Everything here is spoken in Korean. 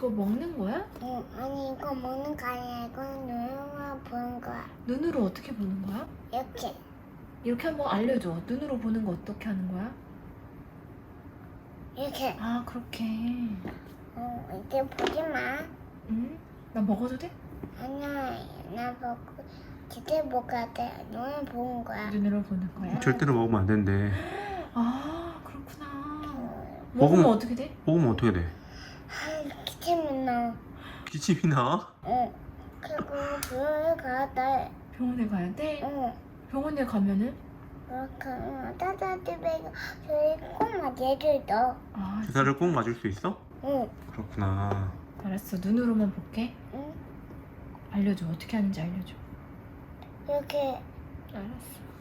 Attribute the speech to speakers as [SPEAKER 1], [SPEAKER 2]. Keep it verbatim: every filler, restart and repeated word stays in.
[SPEAKER 1] 그거 먹는 거야?
[SPEAKER 2] 응, 아니 이거 먹는 거 아니야. 이거는 눈으로만 보는 거야.
[SPEAKER 1] 눈으로 어떻게 보는 거야?
[SPEAKER 2] 이렇게.
[SPEAKER 1] 이렇게 한번 알려줘. 눈으로 보는 거 어떻게 하는 거야?
[SPEAKER 2] 이렇게.
[SPEAKER 1] 아, 그렇게.
[SPEAKER 2] 어, 이제 보지 마.
[SPEAKER 1] 응? 나 먹어도 돼?
[SPEAKER 2] 아니야, 나 먹고 제대로 먹어야 돼. 눈을 보는 거야.
[SPEAKER 1] 눈으로 보는 거야?
[SPEAKER 3] 절대로 먹으면 안 된대.
[SPEAKER 1] 아, 그렇구나.
[SPEAKER 2] 어,
[SPEAKER 1] 먹으면
[SPEAKER 3] 먹으면-
[SPEAKER 1] 어떻게 돼?
[SPEAKER 3] 먹으면 어떻게 돼?
[SPEAKER 2] 아, 기침이 나.
[SPEAKER 3] 기침이 나?
[SPEAKER 2] 응. 그리고 병원에 가야 돼.
[SPEAKER 1] 병원에 가야 돼?
[SPEAKER 2] 응.
[SPEAKER 1] 병원에 가면은?
[SPEAKER 2] 그렇게 응. 따뜻하게 저희 꼭 맞아줘도.
[SPEAKER 1] 아,
[SPEAKER 3] 주사를 꼭 맞을 수 있어?
[SPEAKER 2] 응.
[SPEAKER 3] 그렇구나.
[SPEAKER 1] 알았어. 눈으로만 볼게.
[SPEAKER 2] 응.
[SPEAKER 1] 알려줘. 어떻게 하는지 알려줘.
[SPEAKER 2] 이렇게
[SPEAKER 1] 알았어.